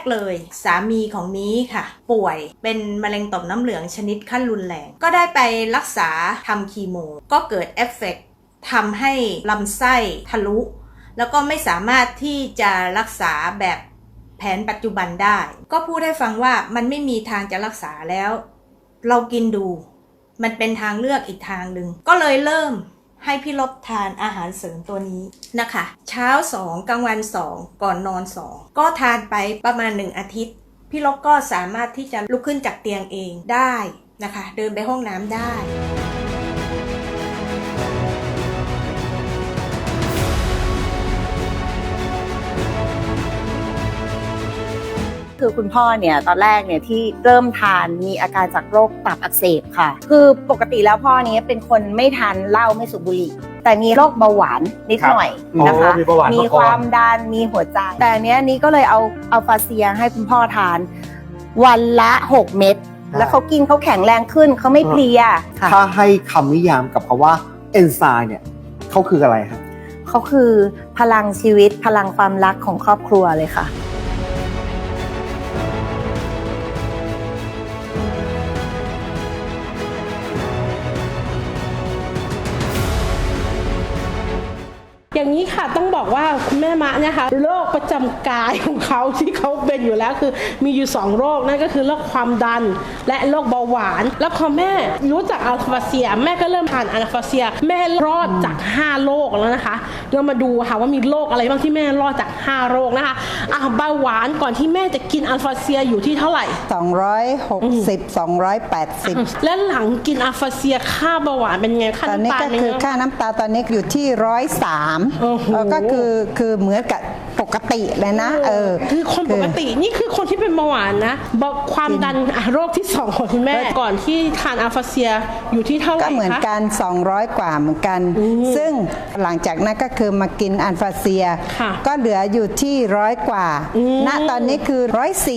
เลยสามีของมีค่ะป่วยเป็นมะเร็งต่อมน้ำเหลืองชนิดขั้นรุนแรงก็ได้ไปรักษาทำคีโมก็เกิดเอฟเฟกต์ทำให้ลำไส้ทะลุแล้วก็ไม่สามารถที่จะรักษาแบบแผนปัจจุบันได้ก็พูดให้ฟังว่ามันไม่มีทางจะรักษาแล้วเรากินดูมันเป็นทางเลือกอีกทางหนึ่งก็เลยเริ่มให้พี่ลบทานอาหารเสริมตัวนี้นะคะเช้า2กลางวัน2ก่อนนอน2ก็ทานไปประมาณ1อาทิตย์พี่ลบก็สามารถที่จะลุกขึ้นจากเตียงเองได้นะคะเดินไปห้องน้ำได้คือคุณพ่อเนี่ยตอนแรกเนี่ยที่เริ่มทานมีอาการจากโรคตับอักเสบค่ะคือปกติแล้วพ่อนี้เป็นคนไม่ทานเหล้าไม่สูบบุหรี่แต่มีโรคเบาหวานนิดหน่อยนะคะมีความดันมีหัวใจแต่เนี้ยนี้ก็เลยเอาอัลฟาเซียให้คุณพ่อทานวันละ6 เม็ดแล้วเขากินเขาแข็งแรงขึ้นเขาไม่เพลียถ้าให้คำนิยามกับคำว่าเอนไซม์เนี่ยเขาคืออะไรครับเขาคือพลังชีวิตพลังความรักของครอบครัวเลยค่ะอย่างนี้ค่ะต้องบอกว่าคุณแม่มะเนี่ยค่ะโรคประจำกายของเขาที่เขาเป็นอยู่แล้วคือมีอยู่2โรคนั่นก็คือโรคความดันและโรคเบาหวานแล้วพอแม่รู้จักอัลฟาเซียแม่ก็เริ่มทานอัลฟาเซียแม่รอดจาก5โรคแล้วนะคะเรามาดูค่ะว่ามีโรคอะไรบ้างที่แม่รอดจาก5โรคนะคะเบาหวานก่อนที่แม่จะกินอัลฟาเซียอยู่ที่เท่าไหร่ 260 280 และหลังกินอัลฟาเซียค่าเบาหวานเป็นไงค่าน้ำตาลตอนนี้ก็คือค่าน้ำตาลตอนนี้อยู่ที่103ก็คือเหมือนกับปกติเลยนะคือคนปกตินี่คือคนที่เป็นเบาหวานนะความดันโรคที่2ของคุณแม่ก่อนที่ทานอัลฟาเซียอยู่ที่เท่าไหร่คะก็เหมือนกัน200กว่าเหมือนกันซึ่งหลังจากนั้นก็คือมากินอัลฟาเซียก็เหลืออยู่ที่100กว่าณตอนนี้คือ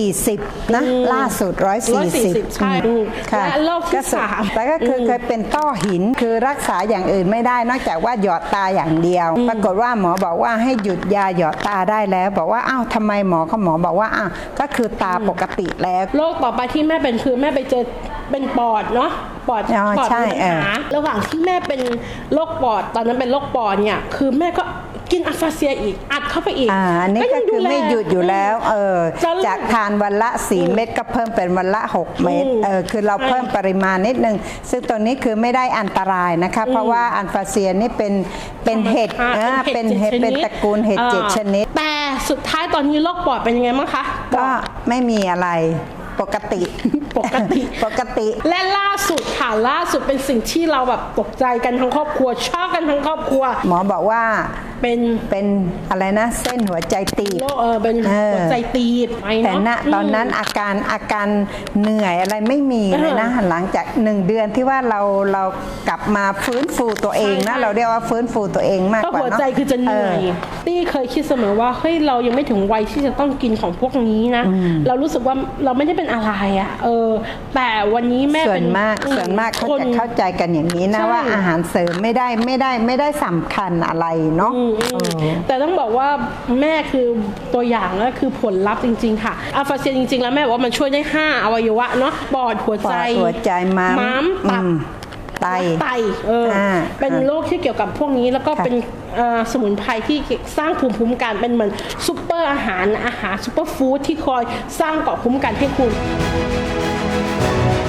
140นะล่าสุด140 ใช่และโรคที่3 แล้วก็คือเคยเป็นต้อหินคือรักษาอย่างอื่นไม่ได้นอกจากว่าหยอดตาอย่างเดียวปรากฏว่าหมอบอกว่าให้หยุดยาหยอดตาได้แล้วบอกว่าอ้าวทำไมหมอบอกว่าอ้าวก็คือตาปกติแล้วโรคต่อไปที่แม่เป็นคือแม่ไปเจอเป็นปอดเนาะปอดมีปัญหาระหว่างที่แม่เป็นโรคปอดตอนนั้นเป็นโรคปอดเนี่ยคือแม่ก็กินอัลฟาเซียอีกอัดเข้าไปอีกอันนี้ก็คือไม่หยุดอยู่แล้วจากทานวันละ4 เม็ดก็เพิ่มเป็นวันละ6 เม็ดคือเราเพิ่มปริมาณนิดนึงซึ่งตัวนี้คือไม่ได้อันตรายนะคะเพราะว่าอัลฟาเซียนี่เป็นเห็ดเป็นตระกูลเห็ด7 ชนิดแต่สุดท้ายตอนนี้โรคปอดเป็นยังไงบ้างคะก็ไม่มีอะไรปกติและล่าสุดค่ะล่าสุดเป็นสิ่งที่เราแบบตกใจกันทั้งครอบครัวช็อกกันทั้งครอบครัวหมอบอกว่าเป็นอะไรนะเส้นหัวใจตีบเป็นหัวใจตีบแต่ณตอนนั้นอาการเหนื่อยอะไรไม่มีเลยนะหลังจาก1 เดือนที่ว่าเรากลับมาฟื้นฟูตัวเองนะเราเรียกว่าฟื้นฟูตัวเองมากกว่าหัวใจคือจะเหนื่อยตี้เคยคิดเสมอว่าเฮ้ยเรายังไม่ถึงวัยที่จะต้องกินของพวกนี้นะเรารู้สึกว่าเราไม่ได้เป็นอะไรแต่วันนี้แม่ส่วนมากเขาจะเข้าใจกันอย่างนี้นะว่าอาหารเสริมไม่ได้สำคัญอะไรเนาะแต่ต้องบอกว่าแม่คือตัวอย่างและคือผลลัพธ์จริงๆค่ะอัลฟาเซียจริงๆแล้วแม่บอกว่ามันช่วยได้5 อวัยวะเนาะปอดหัวใจม้ามตับไตเป็นโรคที่เกี่ยวกับพวกนี้แล้วก็เป็นสมุนไพรที่สร้างภูมิคุ้มกันเป็นเหมือนซุปเปอร์อาหารซุปเปอร์ฟู้ดที่คอยสร้างเกราะคุ้มกันให้คุณ